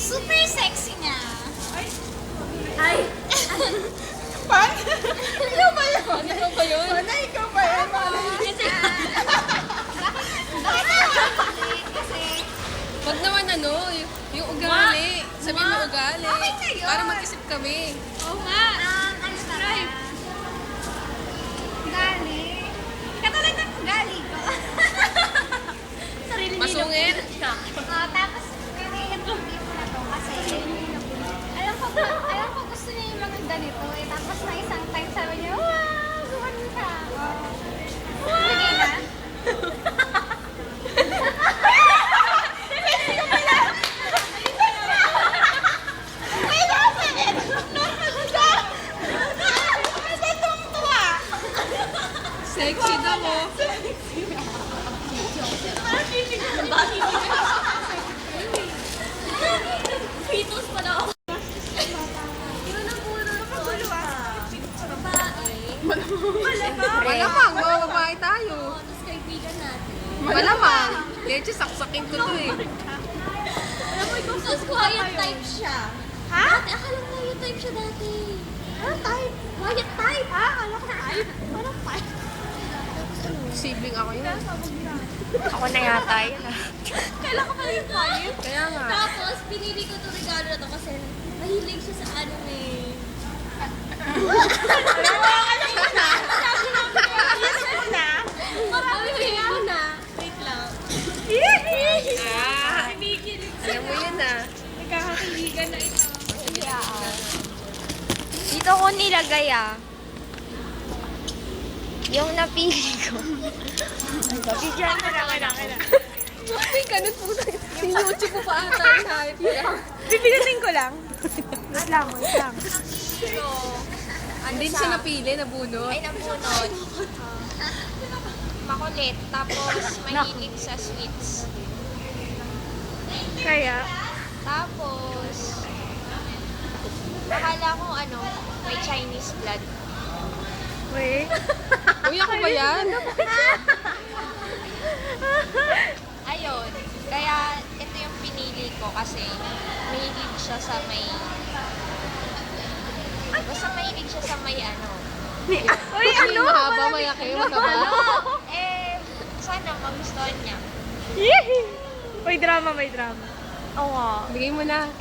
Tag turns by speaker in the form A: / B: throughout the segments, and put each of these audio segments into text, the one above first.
A: Super sexy niya.
B: Ay!
C: Pan? Ikaw ba yun?
B: Ikaw ba yun?
C: Pana, ikaw ba yun?
A: Kasi,
B: Wag naman ano, yung ugali. Sabihin mo ugali.
A: Okay na yun.
B: Para mag-isip kami.
A: oo nga. Ano subscribe? Gali. Katulad ng ugali ko. Sarili
B: Masungit.
A: Tapos, i-interview ko na to kasi alam ko gusto niya yung mga ganito eh. Tapos na isang time sabi niya, wow, gumano ka. Sige na.
B: Sexy daw oh.
A: Pitos pa daw.
B: Malamang, mga babae tayo.
A: Tapos kaibigan natin.
B: Malamang. Leche, saksakin ko to eh.
A: Alam mo, ikaw sa quiet type siya. Ha? Dati, akala ko quiet type siya dati. Ano type? Quiet type? Ha? Akala ko type. Parang type.
B: Sibling ako yun.
D: Ako na yata yun ah.
A: Kailan ko pala yung quiet?
B: Kaya nga.
A: Tapos, pinili ko itong regalo na to kasi mahilig siya sa anime. Mapamili mo na. Wait lang.
B: Ah, alam mo yun ah.
A: Nagkakakiligan na ito.
D: Dito ko nilagay ah. Yung napili ko. Bigyan mo na
B: Ay, ganun po na. Sinuchi ko pa ata yung hype niya.
C: Pipilitin ko lang. Wait lang.
B: Hindi siya napili, nabunot.
D: Ay, nabunod. Makulit. Tapos, mahilig sa sweets.
C: Kaya?
D: Tapos, akala ko ano, may Chinese blood.
C: Wait.
B: Uy, ako ba yan?
D: Ayun. Kaya, ito yung pinili ko kasi mahilig siya sa may... Basta mahilig siya sa may ano.
C: Uy, ano?
B: Mahaba, mayaki, mataba.
D: Sana magustuhan niya.
C: Yee! May drama.
D: Oo nga.
B: Bigay mo na.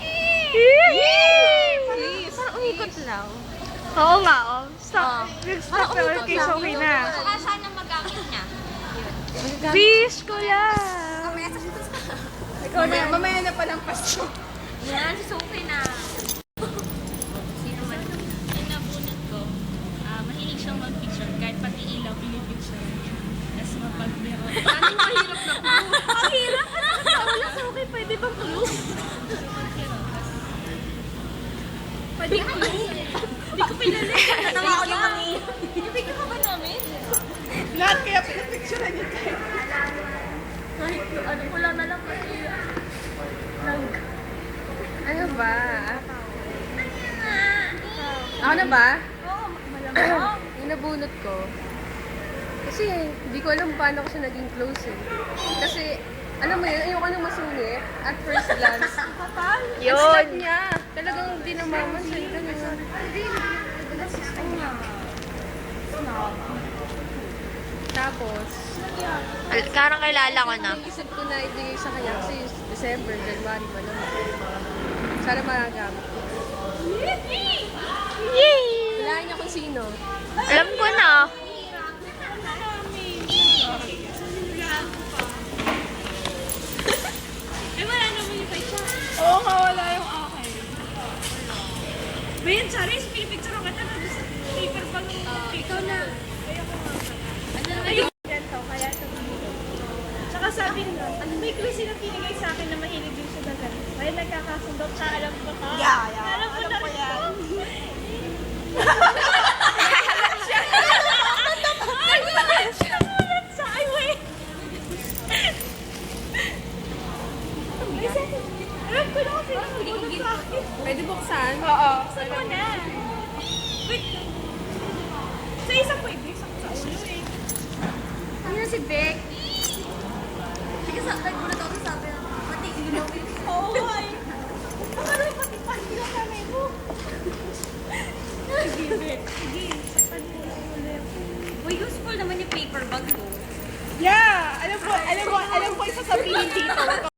C: Yee!
D: Parang umikot lang.
C: Oo nga, oh.
D: Ah.
C: Stop. Stop na okay, so okay na.
D: Saka sana magamit niya.
C: Wish ko lang. Ikaw na.
B: Mamaya na palang pasto.
D: Yan, si Sophie na. Sino man?
E: Yung nabunot ko, mahilig siyang mag-picture kahit pati ilaw pinipicture. Tapos mapag-biro.
B: Ano mahirap na po?
E: Ang hirap! Wala sa okay, pwede bang tulog? Pwede clue? Hindi ko pinali.
A: Natawa ko yung mami. Ibigyan ka ba namin?
C: Lahat kaya pinapicturean niyo tayo.
E: Kahit ano ko lang na lang kasi
B: Ano ba? Ako na ba? Yung nabunot ko. Kasi hindi ko alam paano ko siya naging close eh. Kasi, alam mo yun, ayoko nang masungit at first glance.
D: Yun.
B: Ang snap niya. Talagang hindi namamansin. Ganun. Tapos,
D: Karang kilala ko na.
B: naisip ko na ibigay sa kanya kasi December, January pa naman. Sana magagamit ko.
D: Yay!
B: Wala niya kung sino.
D: Alam ko na.
E: Eh, wala naman yung kay Char.
C: Oo nga, wala yung akin.
E: Ba yan, Charis? Pinipicture ka na sa paper bag mo. Ikaw na. Ayun.
C: Ganito, kaya sabihin ko. Tsaka sabi nila, may clue silang pinigay sa akin na mahilig din siya na ganito. Kaya nagkakasundo, tsaka alam ko ka. Alam ko yan.
E: Nagulat sa highway.
C: Alam ko na kasi nagulat sa akin.
B: Pwede buksan?
C: Oo.
E: Saan mo na? Wait.
C: Sa isang pwede, isang sa ulo eh.
A: Ano na si Beck? Sige, nagulat ako sa sabi na, pati ilaw.
C: Oo, ay. Sige, saktan mo lang ulit.
D: Uy, useful naman yung paper bag ko.
C: Yeah! Alam ko yung sasabihin dito.